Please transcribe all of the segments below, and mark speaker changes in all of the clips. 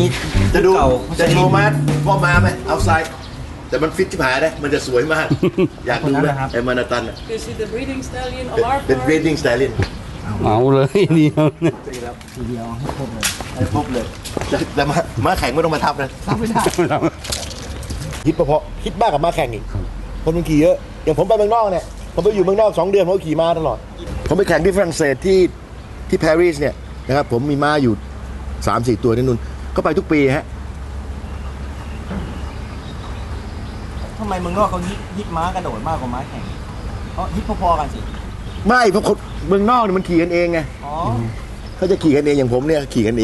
Speaker 1: จะดูจะโชว์มาพ่อมาไหมเอาไซด์แต่มันฟิตชิบหายนะมันจะสวยมากอยากดูนะไอ้มานาตันเป็น breeding stallion
Speaker 2: เอาเลยเดียว
Speaker 3: ทีเดียวให้ครบเลย
Speaker 1: ให้ครบเลยแต่ม้าแข่งไม่ต้องมาทับนะ
Speaker 3: ทำไม่ได้
Speaker 1: ฮิตพอฮิตมากกับม้าแข่งอีกคนมันขี่เยอะอย่างผมไปเมืองนอกเนี่ยผมไปอยู่เมืองนอก2 เดือนผมก็ขี่ม้าตลอดผมไปแข่งที่ฝรั่งเศสที่ปารีสเนี่ยนะครับผมมีม้าอยู่ 3-4 ตัวที่นู่นก็ไปทุกปีฮะ
Speaker 3: ทำไมเมืองนอกเขาฮิตม้ากระโดดมากกว่าม้าแข่งเขาฮิตพอๆกันสิ
Speaker 1: ไม่เพราะคนเมืองนอกเนี่ยมันขี่กันเองไงเขาจะขี่กันเองอย่างผมเนี่ยขี่กันเอง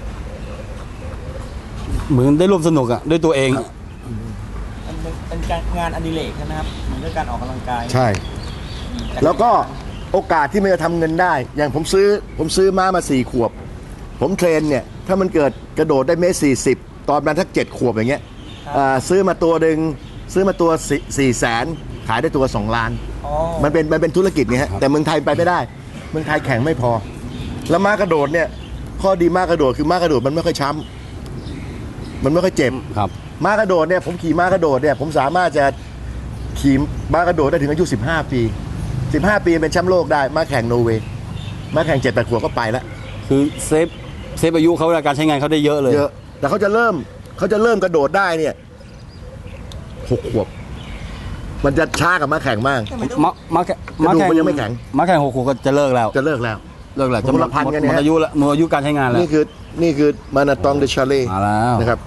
Speaker 2: เหมือนได้ร่วมสนุกอ่ะด้วยตัวเอง
Speaker 3: เป็นงานอดิเรกใช่ไหมครับเหมือนกับการออกกำลังกาย
Speaker 1: ใช่แล้วก็โอกาสที่มันจะทำเงินได้อย่างผมซื้อม้ามา4 ขวบผมเทรนเนี่ยถ้ามันเกิดกระโดดได้1.40 ตอนมันทัก7 ขวบอย่างเงี้ยซื้อมาตัวหนึ่งซื้อมาตัว400,000ขายได้ตัว2 ล้านมันเป็นธุรกิจไงฮะแต่เมืองไทยไปไม่ได้เมืองไทยแข่งไม่พอแล้วม้ากระโดดเนี่ยข้อดีม้ากระโดดคือม้ากระโดดมันไม่ค่อยช้ำมันไม่ค่อยเจ็บ
Speaker 2: ครับ
Speaker 1: ม้ากระโดดเนี่ยผมขี่ม้ากระโดดเนี่ยผมสามารถจะขี่ม้ากระโดดได้ถึงอายุ15 ปี15 ปีเป็นแชมป์โลกได้ม้าแข่งโนเวย์ม้าแข่ง7-8 ขวบก็ไปแล้ว
Speaker 2: คือเซฟอายุเขาการใช้งานเขาได้เยอะเลย
Speaker 1: เยอะแต่เขาจะเริ่มกระโดดได้เนี่ย6 ขวบมันจะช้ากับม้าแข่งมาก
Speaker 2: ม้าแข่ง
Speaker 1: มันยังไม่แข่ง
Speaker 2: ม้าแข่ง6 ขวบก็จะเลิกแล้ว
Speaker 1: จะเลิกแล้วจะหมดพันกันเนี่ย
Speaker 2: หมดอายุแล้วหมดอายุการใช้งานแล้ว
Speaker 1: นี่คือมานาตองเดชาเล่นะครับ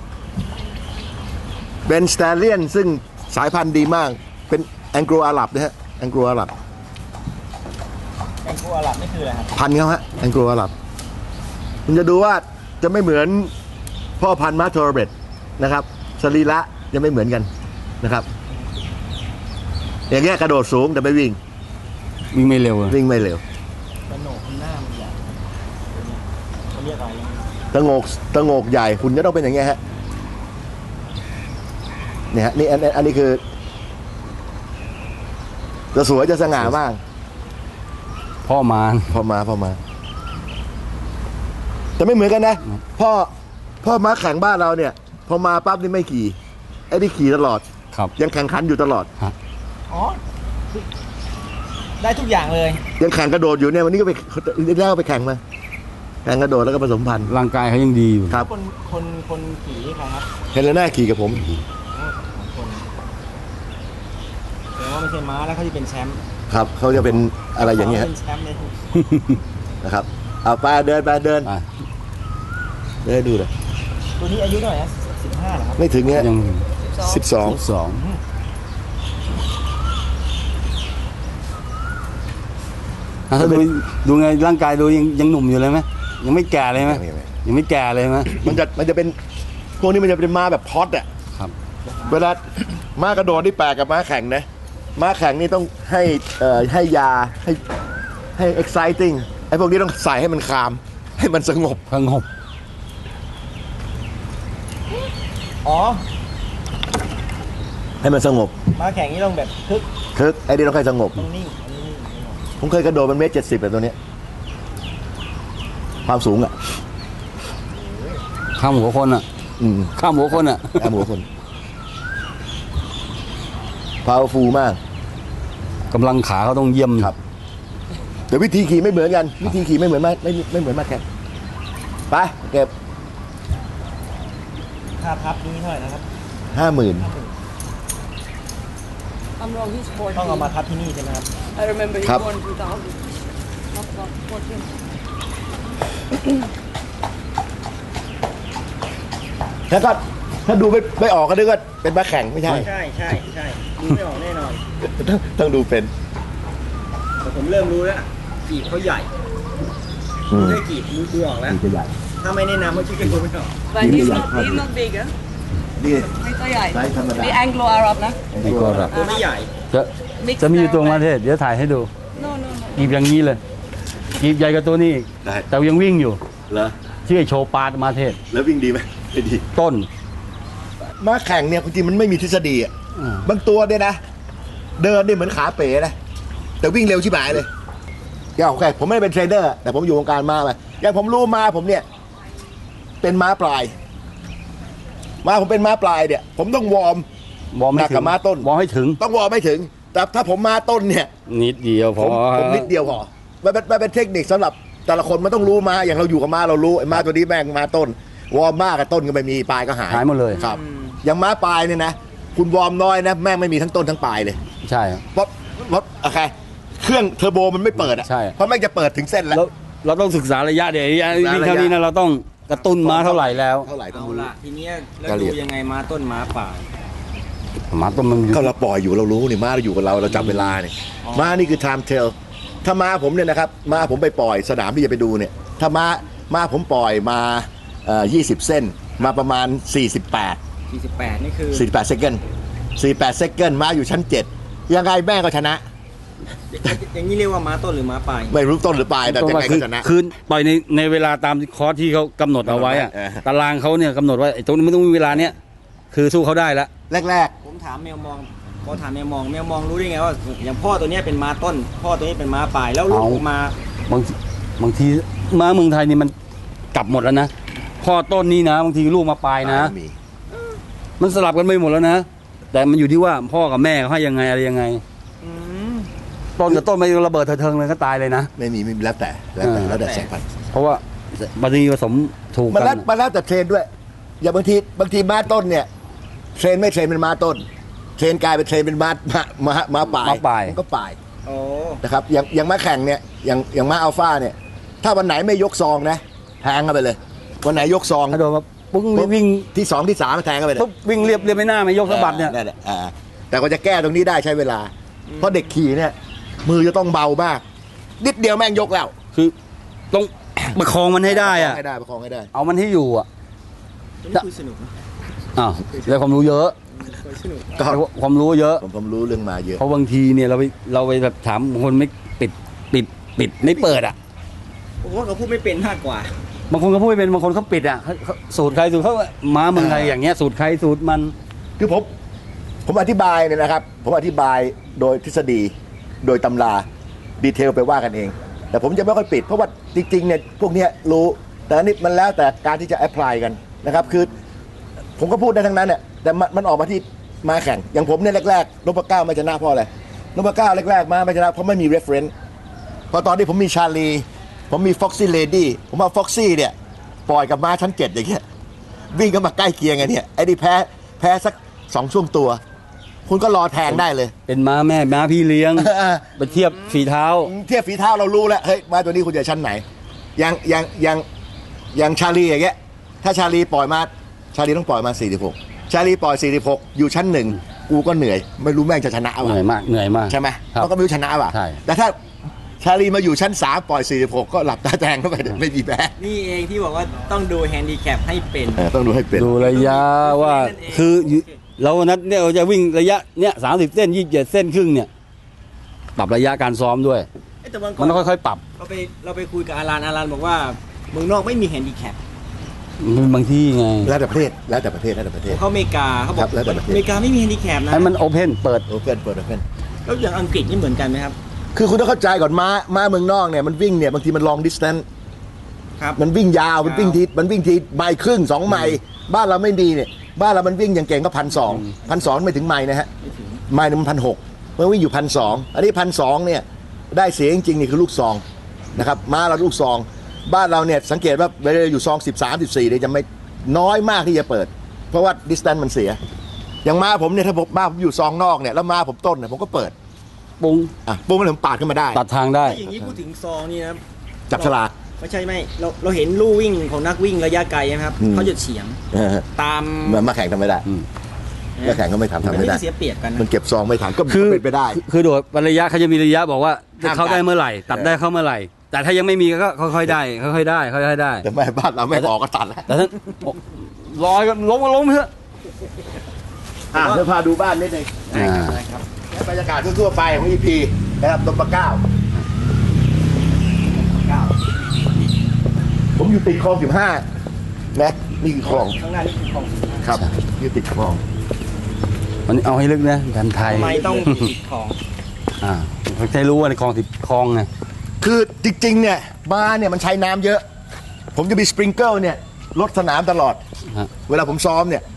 Speaker 1: เป็นสแตเลียนซึ่งสายพันธุ์ดีมากเป็นแองโกลอาหรับนะฮะแองโกลอาหรับ
Speaker 3: นี่คืออะไรครับ
Speaker 1: พันธุ์เขาฮะแองโกลอาหรับคุณจะดูว่าจะไม่เหมือนพ่อพันธุ์มาโทรเบตนะครับสรีระจะไม่เหมือนกันนะครับอย่างเงี้ยกระโดดสูงแต่ไม่วิ่ง
Speaker 2: ไม่เร็ว
Speaker 1: วิ่งไม่เร็ว
Speaker 3: กระโหนกหน้ามันใหญ่เขาเรียกอะไร
Speaker 1: ตะโงกใหญ่คุณจะต้องเป็นอย่างเงี้ยฮะเนี่ยฮะนี่อันนี้คือจะสวยจะสง่ามาก
Speaker 2: พ่อมา
Speaker 1: แต่ไม่เหมือนกันนะพ่อม้าแข่งบ้านเราเนี่ยพอมาปั๊บนี่ไม่ขี่ไอ้นี่ขี่ตลอดยังแข่งขันอยู่ตลอด
Speaker 3: อ๋อได้ทุกอย่างเลย
Speaker 1: ยังแข่งกระโดดอยู่เนี่ยวันนี้ก็ไปแข่งมาแข่งกระโดดแล้วก็ผสมพันธุ์
Speaker 2: ร่างกายเขายังดีอยู่
Speaker 1: ครับ
Speaker 3: คนขี่ใครครับ
Speaker 1: เฮเลน่าขี่กับผม
Speaker 3: แต่ว่าไม่ใช่ม้าแล้วเขาจะเป็นแชมป์
Speaker 1: ครับเขาจะเป็นอะไรอย่างเงี้ย
Speaker 3: เป็นแชมป์เลย
Speaker 1: นะครับเอาไปเดินดูเลย
Speaker 3: ตัวนี้อายุเท่าไหร่นะ15เหรอครับ
Speaker 1: ไม่ถึงเนี้ย
Speaker 2: ยัง
Speaker 1: 12
Speaker 2: ถ้าดูไงร่างกายดูยังหนุ่มอยู่เลยไหมยังไม่แก่เลยไหมยังไม่แก่เลยไหม
Speaker 1: มันจะเป็นพวกนี้มันจะเป็นม้าแบบพอดอ่ะ
Speaker 2: ครับ
Speaker 1: เวลาม้ากระโดดนี่แปลกกับม้าแข่งนะม้าแข่งนี่ต้องให้ยาให้ exciting ไอ้พวกนี้ต้องใส่ให้มันคามให้มันสงบ
Speaker 3: อ๋อ
Speaker 1: ให้มันสงบ
Speaker 3: ม้าแข่งนี่ต้องแบบ
Speaker 1: คึกไอ้นี่ต้องให้สงบ
Speaker 3: ต้องนิ่ง
Speaker 1: ผมเคยกระโดดมัน1.70 แบบตัวนี้ความสูงอ่ะ
Speaker 2: ข้ามหัวคนอ่ะข้ามหัวคน
Speaker 1: powerful มาก
Speaker 2: กำลังขาเขาต้องเยี่ยม
Speaker 1: ครับแต่วิธีขี่ไม่เหมือนกันวิธีขี่ไม่เหมือนไม่เหมือนมาแข่งไปเก็บ
Speaker 3: ค่าทับนี้เท่าไหร่นะครับ
Speaker 1: 50,000
Speaker 3: ต้องเอามาทับที่นี่ใช่ไหมครับ
Speaker 4: I remember you won 2000
Speaker 1: แล้วก็ถ้าดูไม่ออกก็นึกว่าเป็นม้าแข่งไม่ใช่
Speaker 3: ดูไม่ออกแน่นอน
Speaker 1: ต้องดูเป็น
Speaker 3: แต่ผมเริ่มรู้แล้วกีบเขาใหญ่ได้กีบดูออกแล้วถ้าไม่แนะนำว่าชื่อเป็นคนไม่ออก
Speaker 4: But he's not big นี่ตัวใหญ่นี่ Anglo Arab นะ
Speaker 2: Anglo Arab
Speaker 3: ตัวไม่ใหญ่
Speaker 2: จะมีอยู่ตัวมาเทศเดี๋ยวถ่ายให้ดูกีบอย่างนี้เลยกีบใหญ่กว่าตัวนี้แต่ยังวิ่งอยู่
Speaker 1: เหรอ
Speaker 2: ชื่อโชปาดมาเทศ
Speaker 1: แล้ววิ่งดีไหมไม่ดี
Speaker 2: ต้น
Speaker 1: ม้าแข่งเนี่ยจริงมันไม่มีทฤษฎีอ่ะบางตัวเนี่ยนะเดินเนี่ยเหมือนขาเป๋นะแต่วิ่งเร็วชิบหายเลยอย่างโอเคผมไม่ได้เป็นเทรนเนอร์แต่ผมอยู่วงการม้ามาอย่างผมรู้ม้าผมเนี่ยเป็นม้าปลายม้าผมเป็นม้าปลายเนี่ยผมต้องวอร์ม
Speaker 2: วอร์ม
Speaker 1: หนั
Speaker 2: ให้
Speaker 1: ก
Speaker 2: ถึ
Speaker 1: กับ
Speaker 2: ง
Speaker 1: ม้าต้น
Speaker 2: วอร์มให้ถึง
Speaker 1: ต้องวอร์มไม่ถึง แต่ถ้าผมม้าต้นเนี่ย
Speaker 2: นิดเดียวพ
Speaker 1: ผ
Speaker 2: อ
Speaker 1: มนิดเดียวพอมันเป็นเทคนิคสำหรับแต่ละคนมันต้องรู้ม้าอย่างเราอยู่กับม้าเรารู้ไอ้ม้าตัวนี้แม่งม้าต้น วอร์มมากกับต้นก็ไม่มีปลายก็หาย
Speaker 2: หายหมดเลย
Speaker 1: ครับ อย่างม้าปลายเนี่ยนะคุณวอร์มน้อยนะแม่งไม่มีทั้งต้นทั้งปลายเลย
Speaker 2: ใช่ครับ
Speaker 1: เพราะโอเคเครื่องเทอร์โบมันไม่เปิดอ่ะ
Speaker 2: ใช่
Speaker 1: เพราะแม่งจะเปิดถึงเส้นแล้ว
Speaker 2: แล้วเราต้องศึกษาระยะเดี๋ยว
Speaker 1: ศึกษาระยะ
Speaker 2: วิ่งเท่านี้นะเราต้องกระตุ้นม้าเท่าไหร่แล้ว
Speaker 1: เท่าไหร่ต้อง
Speaker 3: เอา
Speaker 1: รู้
Speaker 3: ละทีเนี้ยแล้ว
Speaker 1: กะเหรี่
Speaker 3: ดู
Speaker 1: ยง
Speaker 3: ยังไงม้าต้นม้าป่าย
Speaker 2: ม้าต้นมันอยู่
Speaker 1: ก็เราปล่อยอยู่เรารู้นี่ม้าเราอยู่กับเราจับเวลาเนี่ยม้านี่คือ time tell ถ้าม้าผมเนี่ยนะครับม้าผมไปปล่อยสนามที่จะไปดูเนี่ยถ้าม้าผมปล่อยมา20 เส้นมาประมาณ 48
Speaker 3: 48นี่คือ
Speaker 1: 48เซคันด์48เซคันด์ม้าอยู่ชั้น 7 ยังไงแม่ก็ชนะ
Speaker 3: อย่างนี้เรียกว่าม้าต้นหรือม้าป่าย
Speaker 1: ไม่รู้ต้นหรือปลายแต่ยังไงก็ชนะ
Speaker 2: คือปล่อยในเวลาตามคอร์สที่เขากำหนดเอาไว้อะ
Speaker 1: เออ
Speaker 2: ตารางเขาเนี่ยกำหนดว่าไอ้ตรงนี้ไม่ต้องมีเวลาเนี้ยคือสู้เขาได้แล้ว
Speaker 1: แรก
Speaker 3: ผมถามแมวมองพอถามแมวมองรู้ได้ไงว่าอย่างพ่อตัวเนี้ยเป็นม้าต้น พ่อตัวนี้เป็นม้าป่ายแล้วลูก
Speaker 2: เอา
Speaker 3: ออกมา
Speaker 2: บางทีม้าเมืองไทยนี่มันกลับหมดแล้วนะพ่อต้นนี้นะบางทีลูกมาปลาย
Speaker 1: ๆ
Speaker 2: นะ
Speaker 1: มี
Speaker 2: มันสลับกันไปหมดแล้วนะ แต่มันอยู่ที่ว่าพ่อกับแม่เขาให้ยังไงอะไรยังไง
Speaker 3: อืม
Speaker 2: ต้นกับต้นไม่ระเบิดเถิงเลยก็ตายเลยนะ
Speaker 1: ไม่มีแล้วแต่แล้วแต่สายพันธุ์
Speaker 2: เพราะว่าบางทีผสมถูก
Speaker 1: มัน
Speaker 2: กั
Speaker 1: แล้ว
Speaker 2: น
Speaker 1: มันแล้วแต่เทรนด้วย อย่างบางทีม้าต้นเนี่ยเทรนไม่เทรนเป็นม้าต้น เทรนกลายเป็นเทรนเป็นม้าปลาย
Speaker 2: ม้าปลาย
Speaker 1: มันก็ปลาย
Speaker 3: โอ้
Speaker 1: นะครับอย่างม้าแข่งเนี่ยอย่างม้าอัลฟาเนี่ยถ้าวันไหนไม่ยกซองนะแทงเข้าไปเลย วันไหนยกซอง
Speaker 2: ถ้าโดนมาปุ๊บวิ่ง
Speaker 1: ที่สองที่สามแทงเข้าไปเลย
Speaker 2: ปุ๊บวิ่งเรียบไม่น่าไม่ยกสะบัดเนี่ย
Speaker 1: แหละแต่ก็จะแก้ตรงนี้ได้ใช้เวลา เพราะเด็กขี่เนี่ยมือจะต้องเบามากนิดเดียวแม่งยกแล้ว
Speaker 2: คือต้อง ประคองมันให้ได้อะ
Speaker 1: ประคองให้ได้
Speaker 2: เอามันให้อยู่อ่ะ
Speaker 3: นี่คุยสนุกนะ
Speaker 2: อ้าวได้ความรู้เยอะ
Speaker 3: คุยสนุก
Speaker 1: ก็
Speaker 2: ได้ความรู้เยอะ
Speaker 1: ผมรู้เรื่องมาเยอะ
Speaker 2: เพราะบางทีเนี่ยเราไปแบบถามคนไม่ปิดไม่เปิดอ่ะ
Speaker 3: ผมว่าเขาพูดไม่เป็นมากกว่า
Speaker 2: บางคนก็พูดไม่เป็นบางคนเขาปิดอ่ะเขาสูตรใครสูตรเขาม้าเมืองไทยอย่างเงี้ยสูตรใครสูตรมัน
Speaker 1: คือผมอธิบายเนี่ยนะครับ ผมอธิบายโดยทฤษฎีโดยตำราดีเทลไปว่ากันเอง แต่ผมจะไม่ค่อยปิดเพราะว่าจริงๆเนี่ยพวกเนี้ยรู้แต่อันนี้มันแล้วแต่การที่จะแอพพลายกันนะครับคือผมก็พูดได้ทั้งนั้นเนี่ยแต่มันออกมาที่มาแข่งอย่างผมเนี่ยแรกๆนพเก้าไม่ชนะเพราะอะไรนพเก้าแรกๆมาไม่ชนะเพราะไม่มี reference พอตอนที่ผมมีชาลีผมมี Foxy Lady ผมเอา Foxy เนี่ยปล่อยกับม้าชั้น 7อย่างเงี้ยวิ่งก็มาใกล้เคียงกันเนี่ยไอ้นี่แพ้สัก2 ช่วงตัว คุณก็รอแทงได้เลย
Speaker 2: เป็นม้าแม่ม้าพี่เลี้ยงไปเทียบฝีเท้า
Speaker 1: เทียบฝีเท้าเรารู้แล้วเฮ้ยม้าตัวนี้คุณจะชั้นไหนอย่างชาลีอย่างเงี้ยถ้าชาลีปล่อยมาชาลีต้องปล่อยมา46ชาลีปล่อย46อยู่ชั้น 1กูก็เหนื่อยไม่รู้แม่งจะชนะ
Speaker 2: เหนื่อยมาก
Speaker 1: ใช่ไหม
Speaker 2: ครับ
Speaker 1: เขาก็ไม่รู้ชนะป่ะ
Speaker 2: ใช่
Speaker 1: แต่ถ้าชาลีมาอยู่ชั้น3ปล่อย46ก็หลับตาแทงเข้าไปไม่มีแพ้
Speaker 3: นี่เองที่บอกว่าต้องดูแฮนดิแคปให้เป็น
Speaker 1: ต้องดูให้เป็น
Speaker 2: ดูระยะว่าคือเรานัดเนี่ยเราจะวิ่งระยะเนี่ย30 เส้น27 เส้นครึ่งเนี่ยปรับระยะการซ้อมด้วย
Speaker 3: เอ้ยแต่วันก่อ
Speaker 2: มัน นต้องค่อยๆปรับ
Speaker 3: เราไปคุยกับอารันบอกว่าเมืองนอกไม่มีแฮนดิแคป
Speaker 2: บางที่ไง
Speaker 1: แล้วแต่ประเทศ
Speaker 3: เขาอเมริกาเขาบอ
Speaker 1: ครั
Speaker 3: ก
Speaker 1: บแล้วแต่ประเทศ
Speaker 3: อเมริกาไม่มีแฮนดิแคปนะ
Speaker 2: ให้มันโอเพนเปิด
Speaker 1: โอเพ่น
Speaker 3: แล้วอย่างอังกฤษนี่เหมือนกันไหมครับ
Speaker 1: คือคุณต้องเข้าใจก่อนม้าเมืองนอกเนี่ยมันวิ่งเนี่ยบางทีมัน long distance
Speaker 3: ครับ
Speaker 1: มันวิ่งยาวมันวิ่งทีไมล์ครึ่ง2 ไมล์บ้านเราไม่ดีเนี่ยบ้านเรามันวิ่งอย่างเก่งก็1,200ไม่ถึงไมล์นะฮะไมล์นึงมัน1,600มันวิ่งอยู่1,200อันนี้1,200เนี่ยได้เสียจริงๆนี่คือลูกซองนะครับม้าเราลูกซองบ้านเราเนี่ยสังเกตว่าเวลาอยู่ซอง13 14เนี่ยจะไม่น้อยมากที่จะเปิด เพราะว่า distance มันเสียอย่างม้าผมเนี่ยถ้าม้าผมอยู่ซองนอกเนี่ยแล้วม้าผมต้นเนี่ยผมก็เปิด
Speaker 2: ปุ้ง
Speaker 1: ปุ๊บมันถึงปาดขึ้นมาได้
Speaker 2: ตัดทางได้
Speaker 3: อย่างนี้พูดถึงซองนี่นะ
Speaker 1: จับฉลาก
Speaker 3: ไม่ใช่ไม่เราเห็นลู่วิ่งของนักวิ่งระยะไกลนะครับ
Speaker 1: อืม
Speaker 3: เขาจะเฉียงตาม
Speaker 1: มาแข่งทำไม่ได้มาแข่งก็ไม่ทำ
Speaker 3: อัน
Speaker 1: ไม่
Speaker 3: นี้
Speaker 1: ได้
Speaker 3: ก็เสียเปรียบกันนะ
Speaker 1: มันเก็บซองไม่ทันก็
Speaker 2: คือ
Speaker 1: เป็นไปได้
Speaker 2: คือโดดระยะเขาจะมีระยะบอกว่า
Speaker 1: ห้าม
Speaker 2: เข้าได้เมื่อไหร่ ตัดได้เข้าเมื่อไหร่ แต่ถ้ายังไม่มีก็ค่อยๆได้ค่อยๆได้ค่อยๆได้
Speaker 1: แต่ไม่บ้านเราไม่ออกก็ตัดแล้ว
Speaker 2: แต่ถ้าลอยกันล้มเถอะ
Speaker 1: เดี๋ยวพาดูบ้านนิดนึง
Speaker 2: อ่า
Speaker 3: นะครับ
Speaker 1: และบรรยากาศทั่วๆไปของ EP นะครับตบปะเก้าผมอยู่ติดคลอง15นะนี่คือคลอง
Speaker 3: ข้างหน้านี่คือของ
Speaker 1: ครับอยู่ติดคลอง
Speaker 2: มันเอาให้ลึกนะกันไทย
Speaker 3: ทำไมต้องติดของ
Speaker 2: เขาใช้รู้ว่าในคลอง10 คลองไง
Speaker 1: คือจริงๆเนี่ยบ้านเนี่ยมันใช้น้ำเยอะ ผมจะมีสปริงเกิลเนี่ยลดสนามตลอด
Speaker 2: ฮะ
Speaker 1: เวลาผมซ้อมเนี่ย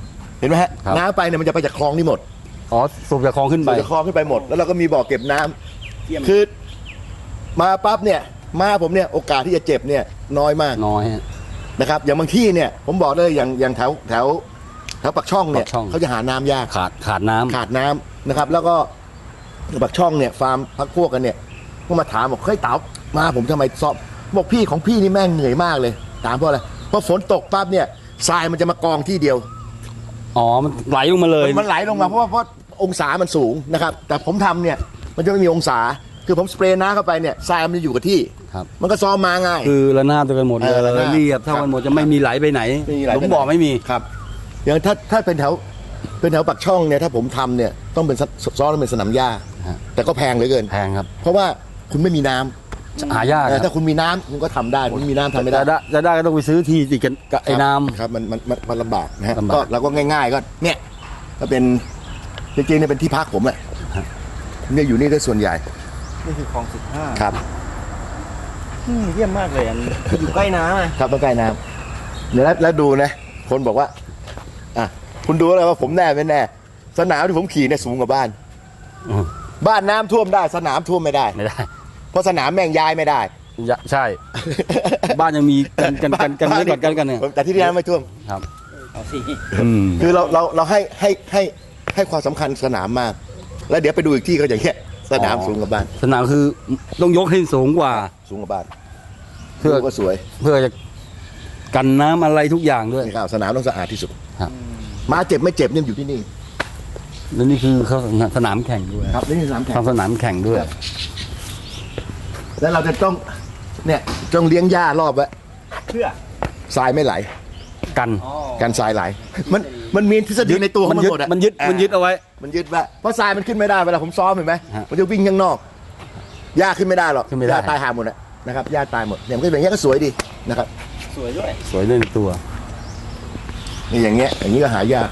Speaker 1: เห็นไหมฮะ
Speaker 2: ครับ
Speaker 1: น้ำไปเนี่ยมันจะไปจากคลองนี่หมด
Speaker 2: อ๋อสูบจากคลองขึ้นไป
Speaker 1: จากคลองขึ้นไปหมด แล้วเราก็มีบ่อเก็บน้ำ
Speaker 3: เยี่ยม
Speaker 1: คือมาปั๊บเนี่ยมาผมเนี่ยโอกาสที่จะเจ็บเนี่ยน้อยมาก
Speaker 2: น้อยฮะ
Speaker 1: นะครับอย่างบางที่เนี่ยผมบอกเลยอย่างแถวปากช่องเนี่ย
Speaker 2: ปากช่อง
Speaker 1: เขาจะหาน้ำยาก
Speaker 2: ขาดน้ำ
Speaker 1: ขาดน้ำนะครับ แล้วก็ปากช่องเนี่ยฟาร์มพักพวกกันเนี่ยก็มาถามบอกเฮ้ยเต๋ามาผมทำไมสอบบอกพี่ของพี่นี่แม่งเหนื่อยมากเลยถามเพราะอะไรเพราะฝนตกปั๊บเนี่ยทรายมันจะมากองที่เดียว
Speaker 2: อ๋อมันไหลลงมาเลย
Speaker 1: มันไหลลงมาเพราะองศามันสูงนะครับแต่ผมทำเนี่ยมันจะไม่มีองศาคือผมสเปรย์น้ำเข้าไปเนี่ยทรายมันจะอยู่กับที่
Speaker 2: ครับ
Speaker 1: มันก็ซ้อมมาง่าย
Speaker 2: คือระนาบกันหมดเลย
Speaker 1: ระนาบ
Speaker 2: เรียบเท่ากันหมดจะไม่มีไหลไปไหน
Speaker 1: ไม่มีไหล
Speaker 2: ห
Speaker 1: ไป
Speaker 2: ลุ
Speaker 1: ไหน
Speaker 2: มบ่อไม่มี
Speaker 1: ครับอย่างถ้าเป็นแถวปากช่องเนี่ยถ้าผมทำเนี่ยต้องเป็นซ้อมเป็นสนามหญ้า
Speaker 2: ฮะ
Speaker 1: แต่ก็แพงเหลือเกิน
Speaker 2: แพงครับ
Speaker 1: เพราะว่าคุณไม่มีน้ำ
Speaker 2: หายากค
Speaker 1: ถ้า
Speaker 2: รับ
Speaker 1: คุณมีน้ำคุณก็ทำได้คุณไม่มีน้ำทำไม่ได้
Speaker 2: จะได้ก็ต้องไปซื้อที่ติดกันกับไอ้น้
Speaker 1: ครับมันลำบากนะฮะ
Speaker 2: ลำบาก
Speaker 1: ก็เราก็ง่าย ๆ ก็เนี่ยก็เป็นจริงๆเนี่ยเป็นที่พักผมแหละเนี่ยอยู่นี่ได้ส่วนใหญ่
Speaker 3: นี่คือคลอง15
Speaker 1: ครับ
Speaker 3: เยี่ยมมากเลยอันอยู่ใกล้น้ำอะ
Speaker 1: ครับต้องใกล้น้ำเดี๋ยวแล้วดูนะคนบอกว่าอ่ะคุณดูเลยว่าผมแน่ไม่แน่ สนามที่ผมขี่เนี่ยสูงกว่าบ้าน
Speaker 2: ำอืม
Speaker 1: บ้านน้ำท่วมได้สนามท่วมไม่ได้
Speaker 2: ไม่ได้
Speaker 1: เพราะสนามแม่งย้ายไม่ได้
Speaker 2: ใช่ บ้านยังมีกันเนื้อกอดกันเนี่ย
Speaker 1: แต่ที่นี่น้ำไม่ท่วม
Speaker 2: ครับ
Speaker 3: เอาสิ
Speaker 2: อืม
Speaker 1: คือเราให้ความสำคัญสนามมาก แล้วเดี๋ยวไปดูอีกที่ก็อย่างเงี้ยสนามสูงกว่าบ้าน
Speaker 2: สนามคือต้องยกให้สูงกว่า
Speaker 1: สูงกว่าบ้าน
Speaker 2: เพื่อ
Speaker 1: ดูก็สวย
Speaker 2: เพื่อจะกันน้ำอะไรทุกอย่างด้วย
Speaker 1: นี่ครับสนามต้องสะอาดที่สุด
Speaker 2: ครับ
Speaker 1: ม้าเจ็บไม่เจ็บเนี่ยอยู่ที่นี่
Speaker 2: แล้วนี่คือเขาสนามแข่งด้วย
Speaker 1: ครับนี่สนามแข่ง
Speaker 2: ทำสนามแข่งด้วย
Speaker 1: ครับ แล้วเราจะต้องเนี่ยต้องเลี้ยงหญ้ารอบไว้
Speaker 3: เพื่อ
Speaker 1: ทรายไม่ไหล
Speaker 2: กัน
Speaker 3: อ๋อ
Speaker 1: การทรายไหลมันมีทฤษฎีในตัวของมันหมดอะ
Speaker 2: มันยึดเอาไว้
Speaker 1: มันยึดไว้เพราะทรายมันขึ้นไม่ได้เวลาผมซ้อมเห็นไหม
Speaker 2: ฮะ
Speaker 1: มันจะวิ่งข้างนอกหญ้าขึ้นไม่ได้หรอก
Speaker 2: ขึ้นไม่ได้
Speaker 1: หญ้าตายหาหมดอะนะครับหญ้าตายหมดอย่างนี้ก็สวยดีนะครับ
Speaker 3: สวยด้วย
Speaker 2: สวยเล่นตัว
Speaker 1: นี่อย่างเงี้ยก็หายาก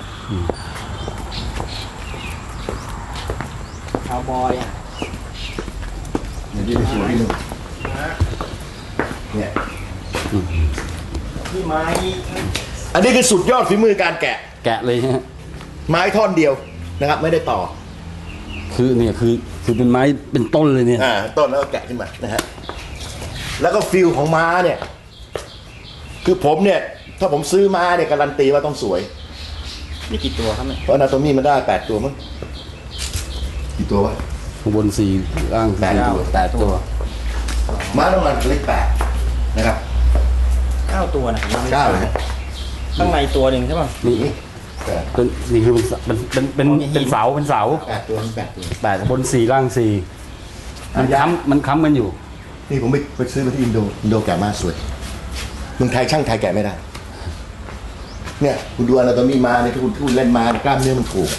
Speaker 3: คาวบอยอ่ะ
Speaker 1: อย่างนี้สวยที่นึงเนี่ย
Speaker 3: ที่ไม้
Speaker 1: อันนี้คือสุดยอดฝีมือการแกะ
Speaker 2: แกะเลยฮะ
Speaker 1: ไม้ท่อนเดียวนะครับ ไม่ได้ต่อ
Speaker 2: คือเนี่ยคือเป็นไม้เป็นต้นเลยเนี่ย
Speaker 1: ต้นแล้วก็แกะขึ้นมานะฮะแล้วก็ฟิลของม้าเนี่ย คือผมเนี่ย ถ้าผมซื้อม้าเนี่ยการันตีว่าต้องสวย
Speaker 3: นี่กี่ตัวครับเนี่ย
Speaker 1: เพราะอนาโตมี่มันได้8ตัวมั้งกี่ตัววะ
Speaker 2: ข้างบนสี่ล่าง
Speaker 1: แปดตัว
Speaker 2: 8 ตัว
Speaker 1: ม้าต้องการเลข8นะครับ
Speaker 3: 9 ตัวนะ
Speaker 1: 9เลยฮะ
Speaker 3: ข้างในตัวหนึ่งใช่ป่ะ
Speaker 2: นี่
Speaker 1: แปด
Speaker 2: เป็นนี่คือเป็นเสาเป็นเสา
Speaker 1: 8ตัวมัน8ตัว
Speaker 2: 8 บน 4 ล่าง 4 มันค้ำกันอยู่
Speaker 1: นี่ผมไปซื้อมาที่อินโดแกะม้าสวยเมืองไทยช่างไทยแกะไม่ได้ เนี่ยคุณดูอนาโตมี่ม้าเนี่ยถ้าคุณเล่นม้ากล้ามเนื้อมันถูก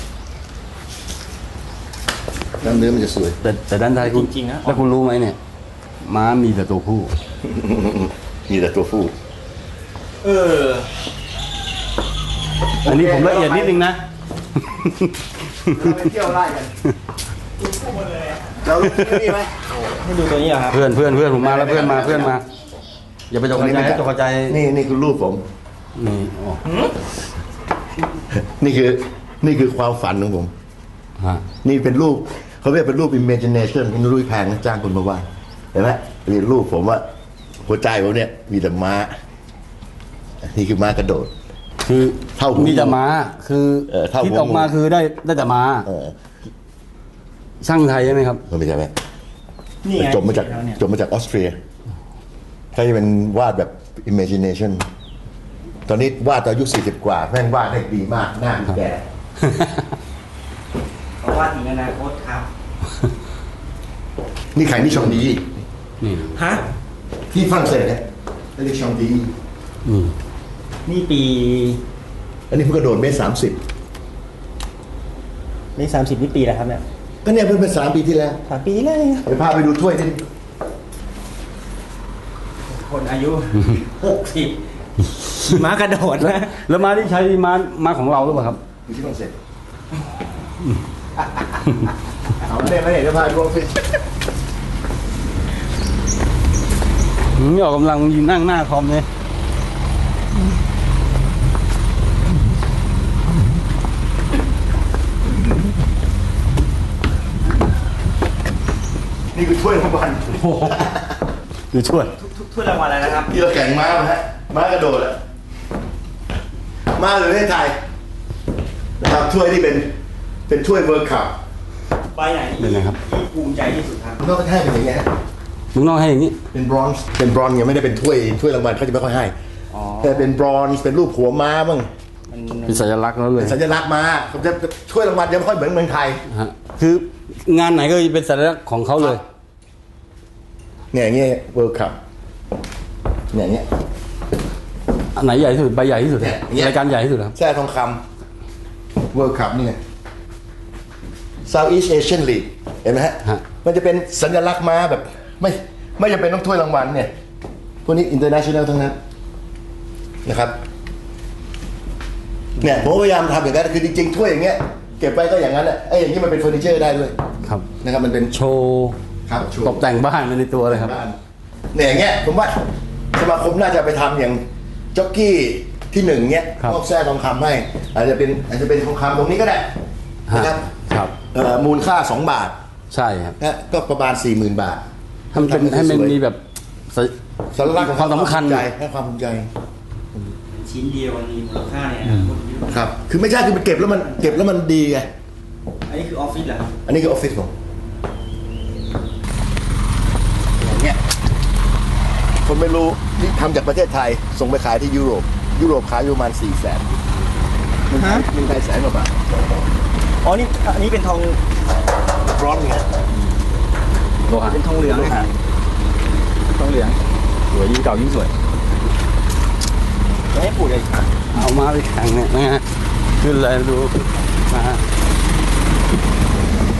Speaker 1: กล้ามเนื้อมันจะสวย
Speaker 2: แต่ด้านไทยคุณ
Speaker 3: จริงๆนะ
Speaker 2: แล้วคุณรู้ไหมเนี่ย ม้ามีแต่ตัวผู้
Speaker 1: มีแต่ตัวผู้
Speaker 3: เออ
Speaker 2: อันนี้ผมละเอียดนิดนึงนะ
Speaker 1: เราไปเที่ยวไล่กันเรารู้ที่นี่ไหม
Speaker 3: ให้ดูตัวนี้เหรอครับ
Speaker 2: เพื่อนผมมาแล้วเพื่อนมาอย่าไปตกใจนะตกใจ
Speaker 1: นี่คือรูปผม
Speaker 2: นี่อ๋อ
Speaker 1: นี่คือความฝันของผม
Speaker 2: ฮะ
Speaker 1: นี่เป็นรูปเขาเรียกเป็นรูป imagination เป็นรูปแพงนะจ้างคนมาวาดเห็นไหมมีรูปผมว่าหัวใจผมเนี่ยมีแต่ม้า นี่คือม้ากระโดด
Speaker 2: คือ
Speaker 1: เท่าหู
Speaker 2: มีแต่ม้าคือ
Speaker 1: เท่าหู
Speaker 2: คิดออกมาคือได้แต่ม้า
Speaker 1: เออ
Speaker 2: ช่างไทยใช่ไหมครับ
Speaker 1: มันไม่ใช่ไหม
Speaker 3: นี่ไง
Speaker 1: จบมาจาก
Speaker 3: แล้วเนี่ย
Speaker 1: ออสเตรียเขาจะเป็นวาดแบบ imagination ตอนนี้วาดตอนอายุ40 กว่าแม่งวาดได้ดีมากหน้าแก่
Speaker 3: เพราะว่าถึงอนาคตครับ
Speaker 1: นี่ใครนี่ชองดี
Speaker 2: นี่
Speaker 3: ฮะ
Speaker 1: ที่ฝรั่งเศสเนี่ยเรียกชองดี
Speaker 2: นี่
Speaker 3: นี่ปี
Speaker 1: อันนี้เพิ่งกระโดดเมตร30
Speaker 3: นี่30นี่ปีแล้วครับเนี่ย
Speaker 1: ก็เนี่ยเพิ่งเป็น3 ปีที่แล้ว
Speaker 3: 3 ปีเลย
Speaker 1: ไปพาไปดูถ้วยที่
Speaker 3: คนอายุ 60ม้ากระโดดนะ
Speaker 2: แล้วม้าที่ใช้ม้าของเราหรือเปล่าครับ
Speaker 1: อยู่ที่ฝรั่งเศสเอาไม่ได้จะพาดูสิ
Speaker 2: นี่ออกกำลังยืนนั่งหน้าคอมเลย
Speaker 1: คือถ้วยรางวัล
Speaker 2: คือช่วย
Speaker 3: ถ้วยรางวัลอะไรนะครับ
Speaker 1: ที่เราแข่งม้ามาฮะม้ากระโดดอะม้าในประเทศไทยนะครับถ้วยที่เป็นถ้วยเวิร์คคัพ
Speaker 3: ใบไหน
Speaker 2: เป็นไงครับ
Speaker 3: ที่ภูมิใจที่สุดครับ
Speaker 1: มันก็ให้เป็นอย่างเงี้ยฮะ
Speaker 2: มึงต้องให้อย่างนี้
Speaker 1: เป็นบรอนซ์ยังไม่ได้เป็นถ้วยรางวัลเขาจะไม่ค่อยให้
Speaker 3: อ๋อ
Speaker 1: แต่เป็นบรอนซ์เป็นรูปหัวม้าบ้าง
Speaker 2: เป็นสัญลักษณ์แล้วเลย
Speaker 1: สัญลักษณ์ม้าเขาจะถ้วยรางวัลจะไม่ค่อยเหมือนเมืองไทย
Speaker 2: ฮะคืองานไหนก็เป็นสัญลักษณ์ของเขาเลย
Speaker 1: เนี่ยอย่างเงี้ยเวิร์คัพเนี่ยอย่างเงี้ย
Speaker 2: อันไหนใหญ่ที่สุดใบใหญ่ที่สุด
Speaker 1: เนี่ยอย่างเงี้ย
Speaker 2: รายการใหญ่ที่สุดครับ
Speaker 1: แท้ทองคำเวิร์คัพนี่ไง Southeast Asian League เห็นไหมฮะ
Speaker 2: ฮะ
Speaker 1: มันจะเป็นสัญลักษณ์ม้าแบบไม่จำเป็นต้องถ้วยรางวัลเนี่ยพวกนี้ international ทั้งนั้นนะครับเนี่ยผมพยายามทำอย่างนั้นคือจริงๆถ้วยอย่างเงี้ยเก็บไว้ก็อย่างนั้นแหละไอ้อย่างนี้มันเป็นเฟอร์นิเจอร์ได้ด้วย
Speaker 2: ครับ
Speaker 1: นะครับมันเป็น
Speaker 2: โชว์
Speaker 1: ครับโชว์
Speaker 2: ตกแต่งบ้านไปในตัวเลยครับ
Speaker 1: บ้านเนี่ยอย่างเงี้ยผมว่าสมาคมน่าจะไปทำอย่างจ็อกกี้ที่1เงี้ย
Speaker 2: ครับ
Speaker 1: มอบแท้ทองคำให้อาจจะเป็นทองคำตรงนี้ก็ได้นะครับ
Speaker 2: ครับ
Speaker 1: มูลค่า2 บาท
Speaker 2: ใช่ครับ
Speaker 1: นะก็ประมาณ 40,000 บาท
Speaker 2: ให้มันมีแบบส
Speaker 1: สัญลักษณ์ของ
Speaker 2: ความสำคัญ
Speaker 1: ใจให้ความภูมิใจ
Speaker 3: ชิ้นเดียวมันมีมูลค่าเนี่ย
Speaker 1: ครับคือไม่ใช่คือมันเก็บแล้วมันดีไง
Speaker 3: อันนี้คือออฟฟิศเหรอครับ
Speaker 1: อันนี้คือออฟฟิศผมอย่างเงี้ยคนไม่รู้นี่ทำจากประเทศไทยส่งไปขายที่ยุโรปขายอยู่ประมาณ400,000เมืองไทย100,000 กว่าบาท
Speaker 3: อ๋อนี่อันนี้เป็นทอง
Speaker 1: ร้อนไง
Speaker 2: โลหะ
Speaker 3: เป็นทองเหลืองนะครับทองเหลืองสวยยิ่งเก่ายิ่งสวยไม่ให้ปูดเลย
Speaker 2: เอามาไปแข่งเนี่ยนะฮะขึ้นเลยดูมา